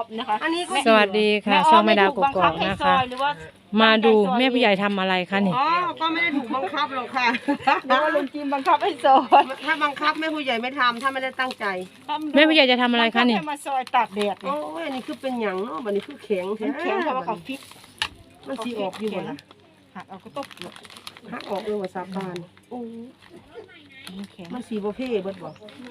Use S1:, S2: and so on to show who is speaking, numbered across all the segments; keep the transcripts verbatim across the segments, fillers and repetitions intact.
S1: อฟนะคะอันนี้ก็
S2: สวัสดีค่ะช่องแม่ดาวกกอกนะคะมาดูแม่ผู้ใหญ่ทำอะไรคะนี่
S3: อ๋อก็ไม่ได้ถูกบังคับหรอกค่ะ
S1: เดี๋ยวลุงจิมบังคับให้ซอย
S3: ถ้าบังคับแม่ผู้ใหญ่ไม่ทำถ้าไม่ได้ตั้งใจ
S2: แม่ผู้ใหญ่จะทำอะไรคะนี่
S1: ให้มาซอยตากแดด
S3: โอ้ยอันนี้คือเป็นหยังเนาะบัดนี้คือแข็ง
S1: มันแข็งเพราะว่าเขาฟิต
S3: มันสีออกอยู่บ่ล่ะ
S1: หักเอาก็ตบ
S3: หักออกเลยว่าสาบานโอ้
S1: มันแข็ง
S3: มันสีบ่เพ่เบิดบ่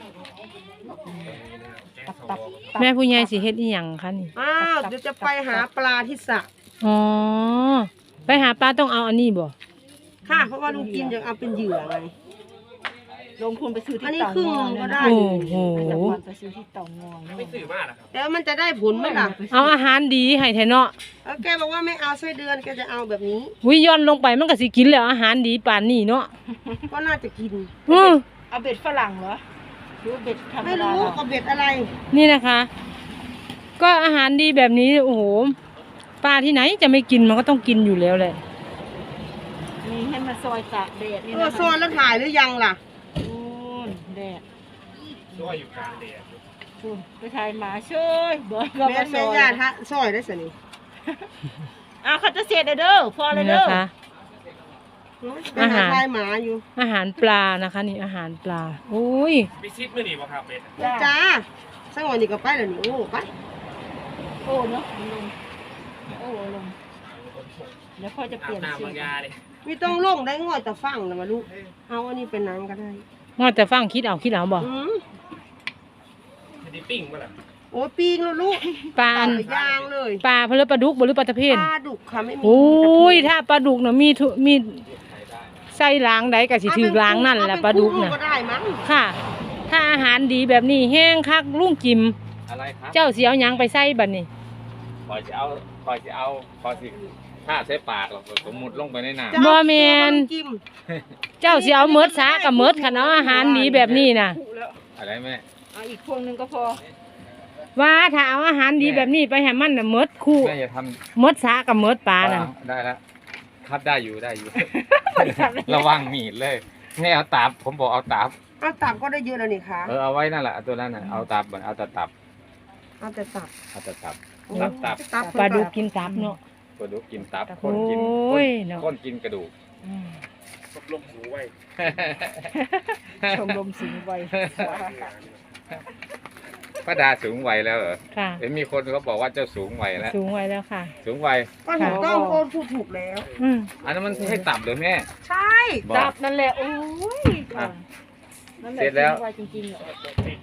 S1: ตับตับ
S2: แม่ผู้ใหญ่สิเฮ็ดอีหยังคะนี่
S3: อ้าวเดี๋ยวจะไปหาปลาที่สระ
S2: อ๋อไปหาปลาต้องเอาอันนี้บ่
S3: ค่ะเพราะว่าลุงกินยังเอาเป็นเหยื่อไง
S1: ลงทุนไปซื้อที่
S3: อันนี้
S1: เต่า
S3: ครึ่ง
S1: งอย
S3: ก็ได้
S2: โอ้โห
S1: แต่ก่อนไปซื้อที่เต่างอยไม่ซื้อมาก
S3: แล้วมันจะได้ผลไหมล่ะ
S2: เอาอาหารดีให้แท้เนาะ
S3: แล้วแกบอกว่าไม่เอาไส้เดือนแกจะเอาแบบนี้
S2: วิย้อนลงไปมันก็สิกินแล้วอาหารดีปานนี้เนาะ
S3: ก็น่าจะกิน
S2: อือ
S1: เอาเบ็ดฝรั่งเหรอหรือเบ็ดธรรม
S3: ไม่
S1: ดา
S3: รู้เอาเบ็ดอะไร
S2: นี่นะคะ ก็อาหารดีแบบนี้โอ้โหปลาที่ไหนจะไม่กินมันก็ต้องกินอยู่แล้วแหละ
S1: มีให้มาซอยตากแดดนี่
S3: เอ
S1: นะ
S3: อโซนแล้วถ่ายหรือยังล่ะ
S1: โอ้ยแดด
S4: ซอยอยู่กลางแดด
S1: คุณไปถ่ายหมาช่วยเบิร์ดก็
S3: แม่
S1: มาซ
S3: แม่
S1: อย
S3: ญาติฮะซอยได้สินี่
S1: อ่ะเขาจะเสียเด้อพอเลย
S2: นี่
S1: เด้อ
S2: นะคะ
S3: อาหารทายหมาอยู่
S2: อาหารปลานะคะ นี่อาหารปลาโอ้ย
S4: ไปซิดมื่อนี่บ่ครับเป็ด
S3: จ้าสักวันนี้ก็ไปแล้วนี่โอ้ไป
S1: โอ้เนาะลงโอ้ลงเดี๋ยวพ่อจะเป
S4: อา
S1: ลี่
S4: บ
S1: ยน
S4: น้ำ
S1: สี
S4: บางยาเลย
S3: ไม่ต้องลงได้ง่อยแต่ฟังนะมาลูกเอาอันนี้เป็นน้ำก็ได้
S2: งอแต่ฟังคิดเอาคิดเอาบ่
S3: อืม
S4: ไม่ได้ปิ้งบ่ล่ะ
S3: โอ้ปีงแล้วลูก
S2: ปลาอัน
S3: ยางเลย
S2: ปลาเพลือปลาดุกบ่หรือปลาตะเพียน
S3: ปลาดุกค่ะไม่มี
S2: โอ้ยถ้าปลาดุกน่ะมีทุมีไส้ล้างใดก็สิถือล้างนั่นแหละปลาดุกน่ะ
S3: ก็ได้มั้ง
S2: ค่ะ ถ้าอาหารดีแบบนี้แห้งคักลุงจิม
S4: อะไรครับ
S2: เจ้าสิเอาหยังไปใส่บัดนี้
S4: คอยจะเอาคอยจะเอาคอยสิถ้าใช้ปากหรอกสมมุติลงไปในน้
S2: บ่แม่น
S3: จิ้ม
S2: เจ้าสิเอาเมิดซากับเมิดคันเอาอาหารดีแบบนี้น่ะ
S4: ำอะไรแม่
S1: เอาอีกพวงหนึงก็พอ
S2: ว่าถ้าเอาอาหารดีแบบนี้ไปให้มันน่ะเมิดคู่
S4: แม่อย่าท
S2: เมิดซากับเมิดปลา
S4: ำ
S2: น่ะ
S4: ได้แล้วครับได้อยู่ได้อยู่ ระวังมีดเลยแม่เอาตับผมบอกเอาตับ
S3: เอาตับก็ได้เยอะแล้วนี่ค่ะ
S4: เออเอาไว้นั่นแหละตัวนั้นน่ะเอาตับเอาแต่ตับ
S3: เอาแต่ตับ
S4: เอาแต่ตับตับตับ
S3: ตับ
S2: ปลาดุกกินตับเนาะ
S4: กระดูกกินตับค
S2: โอ้
S4: นกิน
S2: ยเนาะ
S4: คนกินกระดูก
S2: อืม
S4: ลมหูไว้
S1: ชมรมสิงห์ไว
S4: ป้าดาสูงวัยแล้วเหรอ
S2: ค่ะ
S4: เห็นมีคนเขาบอกว่าเจ้าสูงวัยแล้ว
S2: สูงไว้แล้วค่ะ
S4: สูงวัย
S3: ก็ถูกต้องโอนถูกถูกแล้ว
S2: อืม
S4: อันนั้นมันให้ตับหรือแม่
S3: ใช่
S4: บอก
S1: ดับนั่นแหละโอ้ย
S4: อ่ะ
S1: นั่นแหละ
S4: เสร็จแล้ว
S1: สิงห์ไจริงๆเหรอ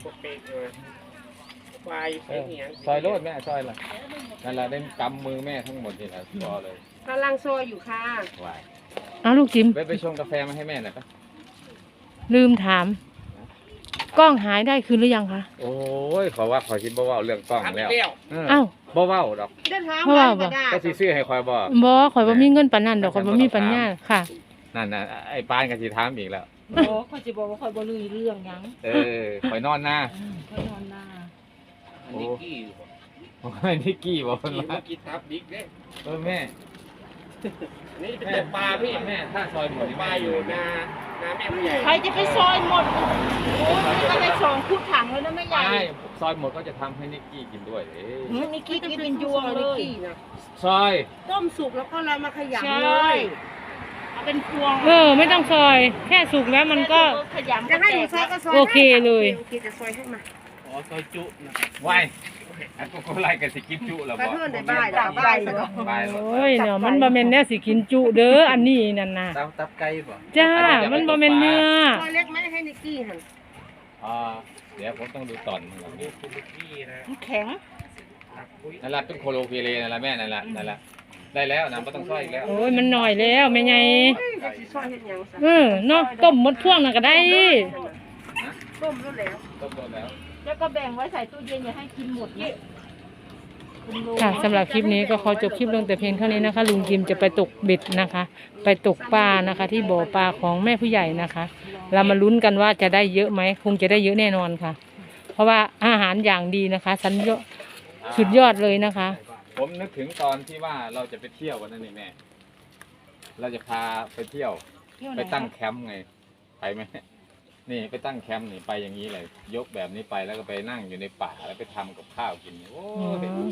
S4: เออซอยโลดแม่ซอยละนั่นแหละได้กำมือแม่ทั้งหมดนี่แหละพอเลย
S3: กำลังซอยอยู่ค่ะ
S4: วาย
S2: เอาลูกจิม
S4: ไปไปชงกาแฟมาให้แม่หน่อยปะ
S2: ลืมถาม กล้องหายได้คืนหรือยังคะ
S4: โอ้ยขอว่าขอคิดบ่เว้าเรื่องกล้องแล้วเออ
S2: เอ้า
S4: บ่เว้าดอก
S3: เดินทาง
S2: เพราะ
S3: มา
S2: ว่า
S3: ธรรมดา
S4: ก็สิซื้อให้คอยบ่
S2: บ่ข่อยบ่มีเงินปานนั้นดอกข่อยบ่มีปัญญาค่ะ
S4: นั่นน่ะไอ้ปานก็สิถามอีกแล้ว
S1: โอ้เขาจะบอกว่าคอยบ่ลือเรื่องหยัง
S4: เออคอยนอนหน้า
S1: คอยนอนหน้า
S4: โอ้โอ้ยนิกกี้บอกว่า
S5: กินทับบิ๊กเด้
S4: เออแม่
S5: นี่เป็น
S4: แม่
S5: แต่ปลาพี่
S4: แม่ถ้าซอยหมด
S5: ปลาอยู่นานาแม่ผู้ใหญ่
S1: ใครจะไปซอยหมดโอ้ยนี่ก็ได้สองคุดถังแล้วนะแม่ใหญ่
S4: ใช่ซอยหมดก็จะทำให้นิกกี้กินด้วยเอ้ย
S1: หืมนี่คิดกินเป็นยวงเลย
S4: ซอย
S3: ต้มสุกแล้วก็เรามาข
S1: ใช
S3: ยำเล่ ย
S1: เอาเป็นพวง
S2: เออ ไม่ต้องซอย แค่สุกแล้วมันก็
S1: ขยำ
S3: จะให้หนูซอยก็ซอย
S2: โอเคเลย
S3: โอเคจะซอยให้มา
S5: ขอซอยจุนะ
S4: ไว้อันพวกคนไล่กันสิกินจุแล้ว
S3: กระ
S4: บ่
S3: เพื่อนในบ้านเราบ้านเนาะ
S4: บายหมด
S2: โอ้ยเนาะมันบ่แม่นแนวสิกินจุเด้ออันนี้นั่นน่ะ
S5: ตับตับไก่บ่
S2: จ้า มันบ่แม่นเนื้อ
S3: ซอยเล็กไหมให้นิกกี้หัน
S4: อ่าเดี๋ยวผมต้องดูตอนมันก่อน
S5: นี่คุณลูกพี่นะ
S1: แข็ง
S5: ตับปุ้ย
S4: นั่นแหละเป็นโคโลเพเลนั่นแหละแม่นั่นแหละนั่นแหละได้แล้วนะไม่ต้องซอยอีกแล้ว
S2: โอ้ยมันหน่อยแล้วแม่ใหญ่
S3: จะสิซอยเห็ดหยังซะ
S2: เออเนาะต้มหมดพวงนั่นก็ได้
S3: ต้มแล้วแล้ว
S4: ต้มโดนแล้ว
S1: แล้วก็แบ่งไว้ใส่ตู้เย็นอย่าให้กินหมดเนี่ย
S2: ค่ะสำหรับคลิปนี้ก็ขอจบคลิปลงแต่เพียงเท่านี้นะคะลุงจิมจะไปตกเบ็ดนะคะ ไปตกปลานะคะ ที่บ่อปลาของแม่ผู้ใหญ่นะคะ เรามาลุ้นกันว่าจะได้เยอะไหมคงจะได้เยอะแน่นอนค่ะ เพราะว่าอาหารอย่างดีนะคะสัญญาสุดยอดเลยนะคะ
S4: ผมนึกถึงตอนที่ว่าเราจะไปเที่ยววันนั้นนี่แม่ เราจะพาไปเที่ยว ไปตั้งแคมป์ไง ไปไหมนี่ไปตั้งแคมป์นี่ไปอย่างนี้เลย ยกแบบนี้ไปแล้วก็ไปนั่งอยู่ในป่าแล้วไปทำกับข้าวกินโอ้ย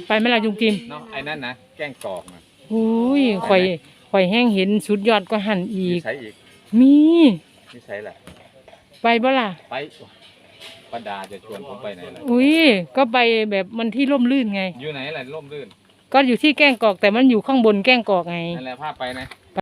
S2: ไปไหมล่ะลุงจิม
S4: เนาะไอ้นั่นนะแกล้งกรอกนะ
S2: อุ้ยข่อยข่อยแห้งเห็นสุดยอดก็หันอี
S4: มี
S2: ก
S4: ใช้อีก
S2: มี
S4: มีใช้แหละ
S2: ไปบ่ล่ะ
S4: ไปป้าดาจะชวนผมไปไหนล่ะ
S2: อุ้ยก็ไปแบบมันที่ร่มรื่นไง
S4: อยู่ไหนล่ะร่มรื่น
S2: ก็อยู่ที่แก้งกอกแต่มันอยู่ข้างบนแก้งกอกไง
S4: นั่นแหละพาไปนะ